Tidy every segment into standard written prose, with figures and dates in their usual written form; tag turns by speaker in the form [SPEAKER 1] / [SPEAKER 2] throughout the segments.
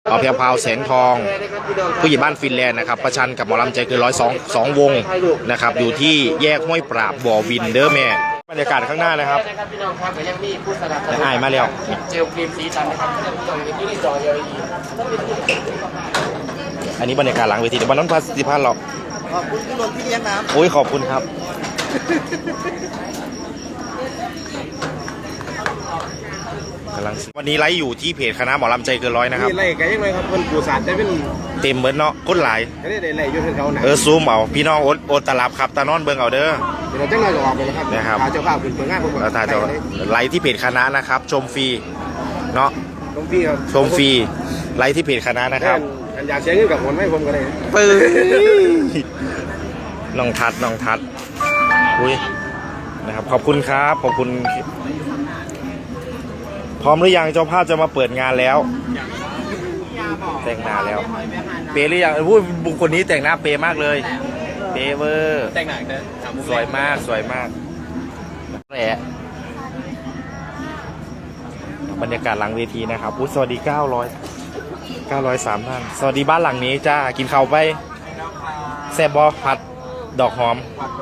[SPEAKER 1] เอาเพียวพาวแสงทองผู้ใหญ่บ้านฟินแลนด์นะครับประชันกับหมอลำใจเกิน102 วงนะครับอยู่ที่แยกห้วยปราบบ่อวินเดอร์แม่บรรยากาศข้างหน้านะครับ
[SPEAKER 2] พี่น้องครับยังมีผู้สนับสนุน
[SPEAKER 1] อายมาแล้ว
[SPEAKER 2] เจลครีมสีสันนะครับที่จอ LED
[SPEAKER 1] อันนี้บรรยากาศหลังเวทีเดี๋ยววันนั้นพันหรอก
[SPEAKER 2] ขอบคุณพี่นนท์ที่เลี้ยงน้ำ
[SPEAKER 1] โอ้ยขอบคุณครับวันนี้ไลฟ์อยู่ที่เพจคณะหมอลำใจเกินร้อยนะครับ
[SPEAKER 2] ไล่กันยังไงครับคนปูสารได้เป็น
[SPEAKER 1] เต็มเหมือนเนาะก้นหลาย
[SPEAKER 2] ก็ได้ไล่ยุ่งเขาหนา
[SPEAKER 1] ซูมเอาพี่น้องโอดตลับครับตานอนเบิ่งเอาเด้อ
[SPEAKER 2] เดี๋ยวเราจะไล่ออกไปนะครับ
[SPEAKER 1] นะครับ
[SPEAKER 2] พาเจ้าภาพขึ้นเปิดงานผม
[SPEAKER 1] แล้วตาจะไลฟ์ที่เพจคณะนะครับชมฟรีเนาะ
[SPEAKER 2] ตรงพี่ครับ
[SPEAKER 1] ชมฟรีไลฟ์ที่เพจคณะนะครับ
[SPEAKER 2] อยากเสียเงินกับผมให้ผมก็ได้
[SPEAKER 1] ปื้น้องทัดอุ้ยนะครับขอบคุณครับขอบคุณพร้อมหรือยังเจ้าภาพจะมาเปิดงานแล้วแต่งหน้าแล้วเปย์หรือยังพูดบุคคลนี้แต่งหน้าเปย์มากเลยเปย์เวอร์
[SPEAKER 2] แต่งหนังนะ
[SPEAKER 1] สวยมากแหละบรรยากาศหลังเวทีนะครับสวัสดี903 ท่านสวัสดีบ้านหลังนี้จ้ากินข้าวไปแซ่บบอผัดดอกหอม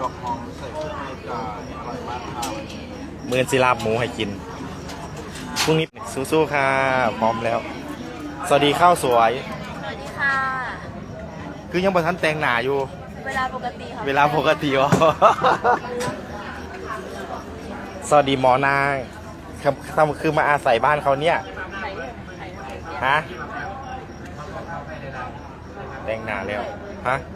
[SPEAKER 1] เมือนศิลาบหมูให้กินพรุ่งนี้สู้ๆค่ะพร้อมแล้วสวัสดีข้าวสวย
[SPEAKER 3] สวัสดีค่ะ
[SPEAKER 1] คือยังบ่ทันแต่งหน้าอยู่
[SPEAKER 3] เวลาปกติค่ะ
[SPEAKER 1] เวลาปกติอ๋อสวัสดีหมอนางคือมาอาศัยบ้านเขาเนี่ยฮะแต่งหน้าแล้วฮะ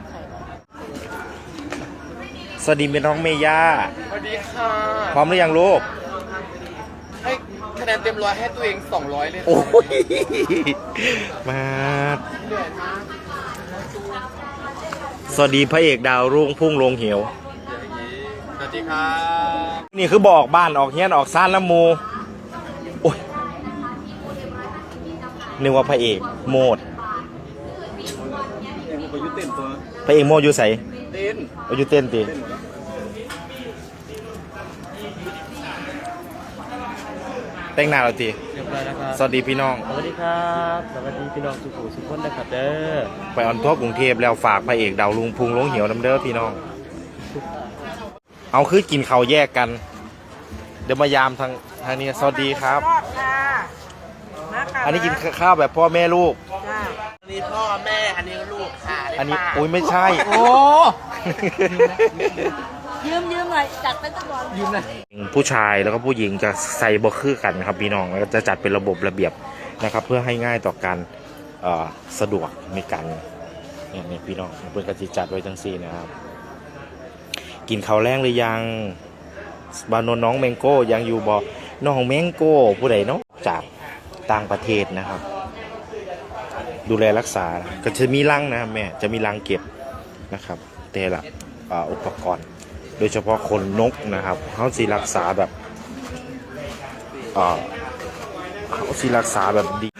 [SPEAKER 1] สวัสดีเป็นน้องเมย่า
[SPEAKER 2] สวัสดีค่ะ
[SPEAKER 1] พร้อมหรือยังลูก
[SPEAKER 2] ให้คะแนนเต็ม100ให้ตัวเอง200เลย
[SPEAKER 1] โอ้ยมาสวัสดีพระเอกดาวรุ่งพุ่งลงเหว
[SPEAKER 2] สวัสดีครับ
[SPEAKER 1] นี่คือบอกบ้านออกเฮียนออกซ่านน้ำมูโอ้ยนึกว่าพระเอกโมดพระเอกโมดอยู่ใส่อยู่เต้นตีแต่งหน้าเราตีสวัสดีพี่น้อง
[SPEAKER 4] สวัสดีครับสวัสดีพี่น้องสุขุสุขคนนะครับเด้อ
[SPEAKER 1] ไปออนทัวร์กรุงเทพแล้วฝากพระเอกดาวลุงพุงลงเหี่ยวน้ำเด้อพี่น้องเอาคือกินข้าวแยกกันเดี๋ยวมายามทางนี้สวัสดีครับอันนี้กินข้าวแบบพ่อแม่ลูก
[SPEAKER 2] อันนี้พ่อแม่อันนี้ลูกค่ะ
[SPEAKER 1] อันนี้อุ้ยไม่ใช่โอ้
[SPEAKER 3] ยืมหน่อยจัดไปตั้งวัน
[SPEAKER 2] ยืมเลย
[SPEAKER 1] ผู้ชายแล้วก็ผู้หญิงจะใส่บ่คือกันครับพี่น้องแล้วจะจัดเป็นระบบระเบียบนะครับเพื่อให้ง่ายต่อการสะดวกในการเนี่ยพี่น้องเพื่อนกติจัดไว้ทั้ง4นะครับกินข้าวแรงหรือยังบานนน้องแมงโก้ยังอยู่บ่น้องแมงโก้ผู้ใดเนาะจากต่างประเทศนะครับดูแลรักษาก็จะมีรังนะแม่จะมีรังเก็บนะครับแต่ละอุปกรณ์โดยเฉพาะคนนกนะครับเขาสิรักษาแบบเขาสิรักษาแบบดี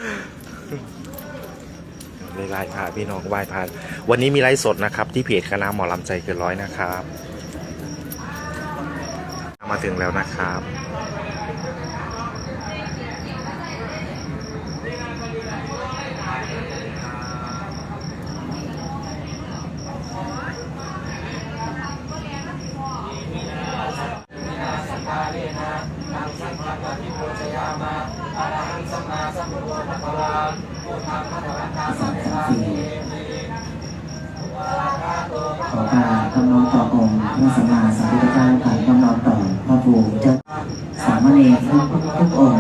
[SPEAKER 1] ไล่พาพี่น้องไหว้พาวันนี้มีไลฟ์สดนะครับที่เพจคณะหมอลำใจเกินร้อยนะครับมาถึงแล้วนะครับ
[SPEAKER 5] ขอการกำนองต่อองค์พระสัมมาสัมพุทธเจ้าผ่านกำนองต่อพระภูมิเจ้าสามเณรทุกองค์